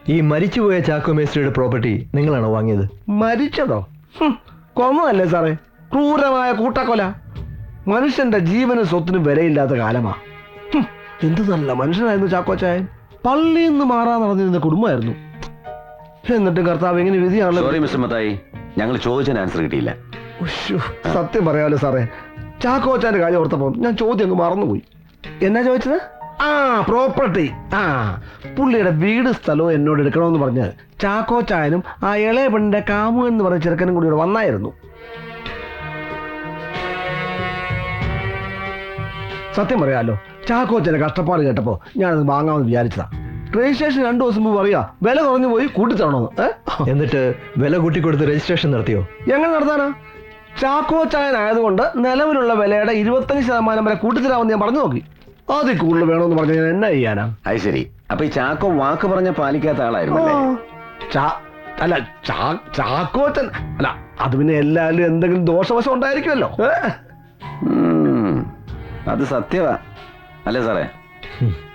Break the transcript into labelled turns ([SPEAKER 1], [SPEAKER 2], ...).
[SPEAKER 1] ഈ മരിച്ചുപോയ ചാക്കോ മേസ്ത്രിയുടെ പ്രോപ്പർട്ടി നിങ്ങളാണോ വാങ്ങിയത്?
[SPEAKER 2] മരിച്ചതോ? കൊന്നതല്ലേ സാറേ, ക്രൂരമായ കൂട്ടക്കൊല. മനുഷ്യന്റെ ജീവനും സ്വത്തിനും വിലയില്ലാത്ത കാലമാ. എന്ത് നല്ല മനുഷ്യനായിരുന്നു ചാക്കോച്ചായൻ. പള്ളിയിൽ നിന്ന് മാറാൻ നടന്നിരുന്ന കുടുംബമായിരുന്നു. എന്നിട്ട് കർത്താവ് എങ്ങനെ വിധിയാണല്ലോ.
[SPEAKER 3] സോറി മിസ്റ്റർ മത്തായി, ഞങ്ങൾ ചോദിച്ചതിന് ആൻസർ കിട്ടിയില്ല.
[SPEAKER 2] സത്യം പറയാമല്ലോ സാറേ, ചാക്കോച്ചാന്റെ കാര്യം ഓർത്തപ്പോ ഞാൻ ചോദ്യം അങ്ങ് മറന്നുപോയി. എന്നാ ചോദിച്ചത്? പ്രോപ്പർട്ടി. പുള്ളിയുടെ വീട് സ്ഥലവും എന്നോട് എടുക്കണമെന്ന് പറഞ്ഞ് ചാക്കോച്ചായനും ആ ഇളയ പെണ്ണിന്റെ കാമു എന്ന് പറഞ്ഞ ചെറുക്കനും കൂടി ഇവിടെ വന്നായിരുന്നു. സത്യം പറയാമല്ലോ, ചാക്കോച്ചന്റെ കഷ്ടപ്പാട് കേട്ടപ്പോ ഞാനത് വാങ്ങാമെന്ന് വിചാരിച്ചതാ. രജിസ്ട്രേഷൻ 2 ദിവസം മുമ്പ് പറയാ വില കുറഞ്ഞു പോയി കൂട്ടിത്തരണമെന്ന്.
[SPEAKER 1] എന്നിട്ട് വില കൂട്ടിക്കൊടുത്ത് രജിസ്ട്രേഷൻ നടത്തിയോ?
[SPEAKER 2] എങ്ങനെ നടത്താനാ? ചാക്കോച്ചായനായതുകൊണ്ട് നിലവിലുള്ള വിലയുടെ 25% വരെ കൂട്ടിത്തരാമെന്ന് ഞാൻ പറഞ്ഞു നോക്കി. അതിൽ കൂടുതൽ വേണമെന്ന് പറഞ്ഞാൽ ഞാൻ എന്നാ ചെയ്യാനാ?
[SPEAKER 3] അത് ശരി. അപ്പൊ ഈ ചാക്കോ വാക്ക് പറഞ്ഞ പാലിക്കാത്ത ആളായിരുന്നു.
[SPEAKER 2] ചാക്കോച്ചൻ അല്ല, അത് പിന്നെ എല്ലാവരും എന്തെങ്കിലും ദോഷവശം ഉണ്ടായിരിക്കുമല്ലോ.
[SPEAKER 3] അത് സത്യവാ അല്ലേ സാറേ?